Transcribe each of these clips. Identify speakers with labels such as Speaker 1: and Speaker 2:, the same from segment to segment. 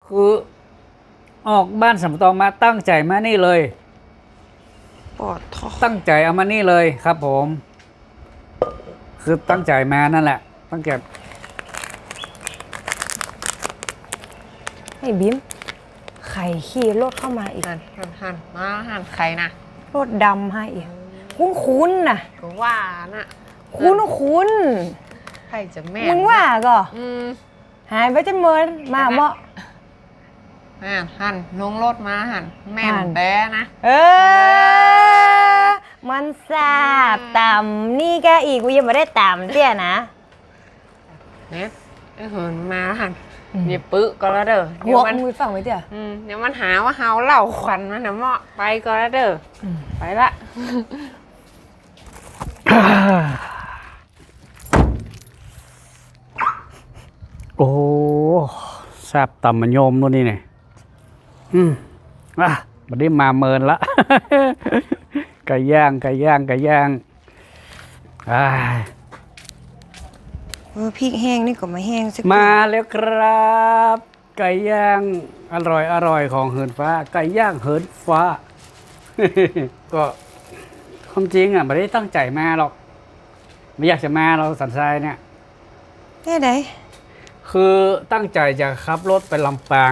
Speaker 1: คือออกบ้านสำตองมาตั้งใจมานี่เลย
Speaker 2: ปอดท้อ
Speaker 1: ตั้งใจเอามานี่เลยครับผม คือตั้งใจมานั่นแหละตั้งใจ
Speaker 2: ไอ้บิ๊มไข่ขี่รถเข้ามาอีก
Speaker 3: หันมาหันใครนะ
Speaker 2: รถดำให้อีกคุ้นๆน่ะ
Speaker 3: ก็ว่าน่ะ
Speaker 2: คุ้น
Speaker 3: ใครจะแม่
Speaker 2: มึงว่าก็
Speaker 3: อืม
Speaker 2: หายไปจนเมินมาเหมาะ
Speaker 3: หันลงรถมาหันแม่
Speaker 2: หัน
Speaker 3: แต้นะ
Speaker 2: มันสาบต่ำนี่แกอีกกูยังไม่ได้ต่ำเตี้ยนะ
Speaker 3: เนี่ยเหินมาหันเดี๋ยวปึ๊ก็แล้วเด้อ
Speaker 2: หัวมือฝั่งไว้เตี้ย
Speaker 3: เดี๋ยวมันหาว่าเฮาเหล่าขวัญมันนะเหมาะไปก็แล้วเด้อไปละ
Speaker 1: โอ้แซบต่ำมันโยมนู่นนี่เนี่ยบัดนี้มาเมินละ ไก่ย่างอ้าย
Speaker 2: พริกแห้งนี่ก็มาแห้งสัก
Speaker 1: มาแล้วครับ ไก่ย่างอร่อยของเหินฟ้า ไก่ย่างเหินฟ้า ก็ความจริงอ่ะไม่ได้ตั้งใจมาหรอก ไม่อยากจะมาเราสันทรายเนี่ย
Speaker 2: ได้ไหน
Speaker 1: คือตั้งใจจะขับรถไปลำปาง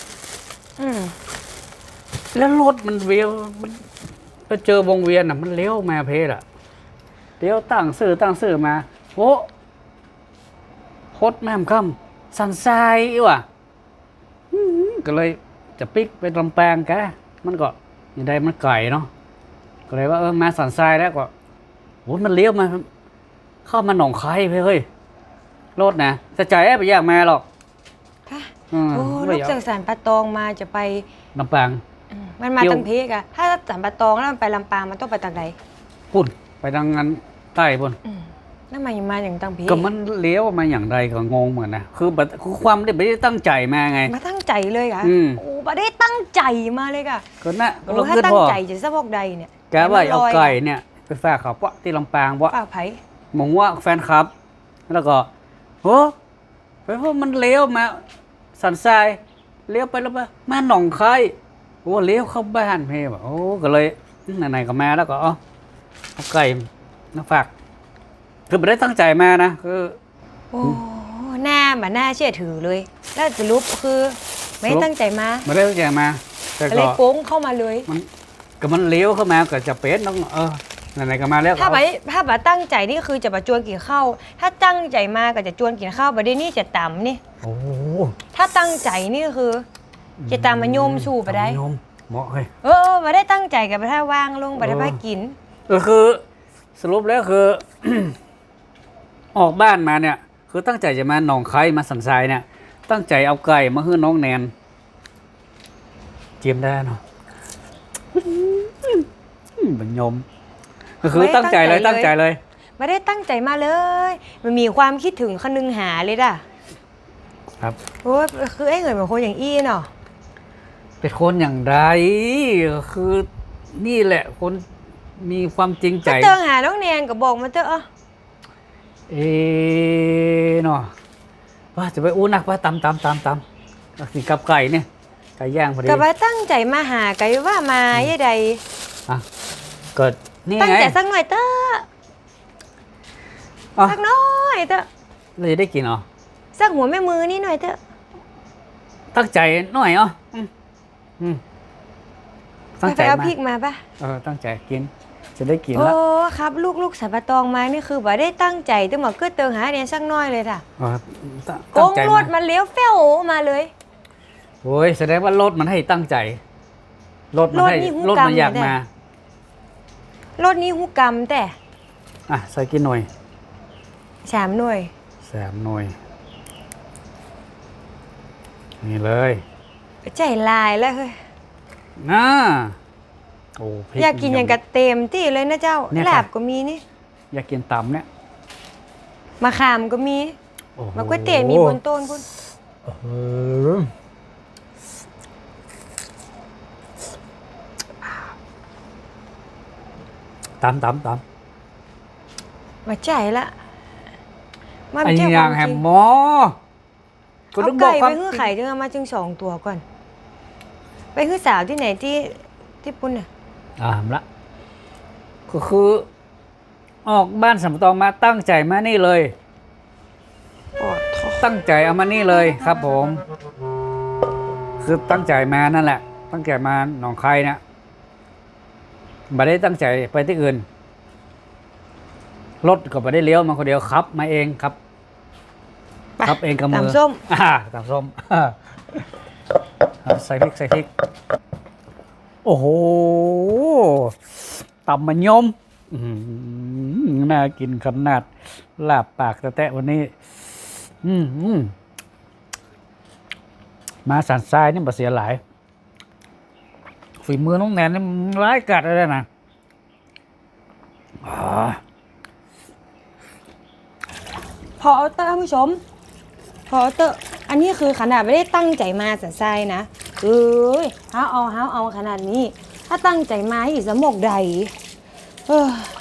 Speaker 1: แล้วรถมันเวียวมันไปเจอวงเวียนอ่ะมันเลี้ยวมาเพศอ่ะเลี้ยวตั้งซื่อมาโอ้โคตรแม่มค่ำสันทรายอีว่ะก็เลยจะปิกไปลำปางแกมันก็ยังไงมันไก่เนาะก็เลยว่ามาสันทรายแล้วก็โอ้มันเลี้ยวมาเข้ามาหนองคายเฮ้ยรถนะจะจ่ายไปอยากมาหรอก
Speaker 2: โอ้ลูกจากสารปะตองมาจะไป
Speaker 1: ลำปาง
Speaker 2: มันมาตังเพกอะถ้าสารปะตองแล้วมันไปลำปางมันต้องไปตังใด
Speaker 1: พุ่นไปทางนั้นใต้พุ่น
Speaker 2: นั่นมาอย่างตังเพก
Speaker 1: ก็มันเลี้ยวมาอย่างไรก็งงเหมือนนะคือแบบคือความไม่ได้ตั้งใจมาไง
Speaker 2: มาตั้งใจเลยค่ะโอ้ไม่ได้ตั้งใจมาเลยค่ะ
Speaker 1: ก็น่ะก็
Speaker 2: โอ้
Speaker 1: ลง
Speaker 2: ถ้า
Speaker 1: ขึ้น
Speaker 2: ตั้
Speaker 1: พ
Speaker 2: ง
Speaker 1: อ
Speaker 2: ใจจะสะพกใดเนี่ย
Speaker 1: แกว่าเอาไก่เนี่ยไปฝากเขาปะที่ลำปางวะ
Speaker 2: ป้าไผ่
Speaker 1: มองว่าแฟนคลับ แล้วก็โอ้ไปเพราะมันเลี้ยวมาสันทรายเลี้ยวไปแล้วมาหนองคายโอ้เลี้ยวเข้าบ้านเพ่แบบโอ้ก็เลยไหนๆก็มาแล้วก็เอาไก่มาฝากคือไม่ได้ตั้งใจมานะคือ
Speaker 2: โอ้หน้ามันน่าเชื่อถือเลย แล้วสรุปคือไม่ได้ตั้งใจมา
Speaker 1: ไม่ได้ตั้งใจมา แต่
Speaker 2: เล
Speaker 1: ก็
Speaker 2: ยโป้งเข้ามาเลย
Speaker 1: มันเลี้ยวเข้ามาก็จะเป็นต้องไหนๆก็มาแล้ว
Speaker 2: ถ้าไปตั้งใจนี่คือจะมาจวนกินข้าวถ้าตั้งใจมาก็จะจวนกินข้าวประเดี๋ยวนี้จะต่ำนี่
Speaker 1: โอ้
Speaker 2: ถ้าตั้งใจนี่คือ จะตามมาโยมสู่ไปได้
Speaker 1: โยมเหมาะเฮ้ย
Speaker 2: มาได้ตั้งใจกับไปถ้าวางลงไปได้พากิน
Speaker 1: ก็คือสรุปแล้วคือ ออกบ้านมาเนี่ย คือตั้งใจจะมาหนองคายมาสันทรายเนี่ย ตั้งใจเอาไก่มาให้น้องแนนเจียมได้เนาะบัญยมก็คือตั้งใจเลย
Speaker 2: ไม่ได้ตั้งใจมาเลย มันมีความคิดถึงคนึงหาเลยด่ะ
Speaker 1: ครับ
Speaker 2: โอ้คือไอ้เหงื่อเหมือนคนอย่างอี้เนาะ
Speaker 1: เป็นคนอย่างไรคือนี่แหละคนมีความจริงใจ
Speaker 2: ถ้าเจอหาน้องแนนก็บอกมาเถอะ
Speaker 1: เนาะว่าจะไปอู้นักว่าตำสิกับไก่เนี่ยไก่ย่างพอดี
Speaker 2: ก็ไปตั้งใจมาหาไกว่ามาย่ใด
Speaker 1: เกิดนี่
Speaker 2: ตั้ง
Speaker 1: ไง
Speaker 2: ใจสักหน่อยเถอะสักน้อยเถอะ
Speaker 1: เราจะได้กินเหรอ
Speaker 2: สักหัวแม่มือนี่หน่อยเถอะ
Speaker 1: ตั้งใจหน่อยเหรอตั้ง
Speaker 2: ไป
Speaker 1: ใจ
Speaker 2: เอา
Speaker 1: มา
Speaker 2: พริกมาปะ
Speaker 1: ตั้งใจกิน จะได้กิน
Speaker 2: โอ้
Speaker 1: ละ
Speaker 2: ครับลูกสายปะตองมานี่คือบ่ได้ตั้งใจแต่หมอก็เติงหาเรียนสักน้อยเลยค่ะ โก
Speaker 1: ตั้ง
Speaker 2: ง
Speaker 1: ใจ
Speaker 2: รถมันเลี้ยวเฟ้วมาเลย
Speaker 1: โอ้ยแสดงว่ารถมันให้ตั้งใจรถมันให้
Speaker 2: รถนี่หู
Speaker 1: รถมัน
Speaker 2: กำ
Speaker 1: อยาก
Speaker 2: เลย
Speaker 1: มา
Speaker 2: รถนี้หูกรรมแต่
Speaker 1: ใส่กินหน่อย
Speaker 2: 3 หน่วย
Speaker 1: 3 หน่วยนี่เลย
Speaker 2: ใจลายแล้วเฮ้ย
Speaker 1: น่าโอ้พริ
Speaker 2: อยากกินอย่างกระเต็มที่เลยนะเจ้า
Speaker 1: เนี่ย
Speaker 2: ลา
Speaker 1: ค่ะ
Speaker 2: บก็มีนี่
Speaker 1: อยากกินตำเนี่ย
Speaker 2: มะขามก็มี
Speaker 1: โอ้โห
Speaker 2: มะกล้วยเตี๋ยวมีบนต้นพุ่น
Speaker 1: ตำ
Speaker 2: มาใจละมา
Speaker 1: ไอ้
Speaker 2: เจ้า
Speaker 1: อย่าง
Speaker 2: ควม
Speaker 1: แฮ
Speaker 2: จ
Speaker 1: ม
Speaker 2: ริง
Speaker 1: หมอก็
Speaker 2: เอา
Speaker 1: ต้องบอ
Speaker 2: ไก่
Speaker 1: กควา
Speaker 2: ไป
Speaker 1: ม
Speaker 2: ฮื้อไข่ถึงเอามาจึง2 ตัวก่อน ไปฮื้อสาวที่ไหนที่ปุ้นน่ะ
Speaker 1: ละก็คือ ออกบ้านสำตองมาตั้งใจมานี่เลย
Speaker 2: ปอดท้อ
Speaker 1: ตั้งใจเอามานี่เลยครับผม คือตั้งใจมานั่นแหละ ตั้งใจมาหนองคายเนี่ยไม่ได้ตั้งใจไปที่อื่น รถก็ไม่ได้เลี้ยวมาคนเดียวครับ มาเองครับ ครับเองกับมือ
Speaker 2: ตำส้ม
Speaker 1: ตำส้มใส่พริกใส่พริก โอ้โหตำมันยมน่ากินขนาดลาบปากแตะวันนี้ มาสันทรายนี่บ่เสียหลาย ฝีมือน้องแนนนี่มันร้ายกัดเลยนะ
Speaker 2: พอเตอร์ท่านผู้ชม พอเตอร์อันนี้คือขนาดไม่ได้ตั้งใจมาสันทรายนะเอ้ยห้าเอาขนาดนี้ ถ้าตั้งใจมาอีกสมกใดเออ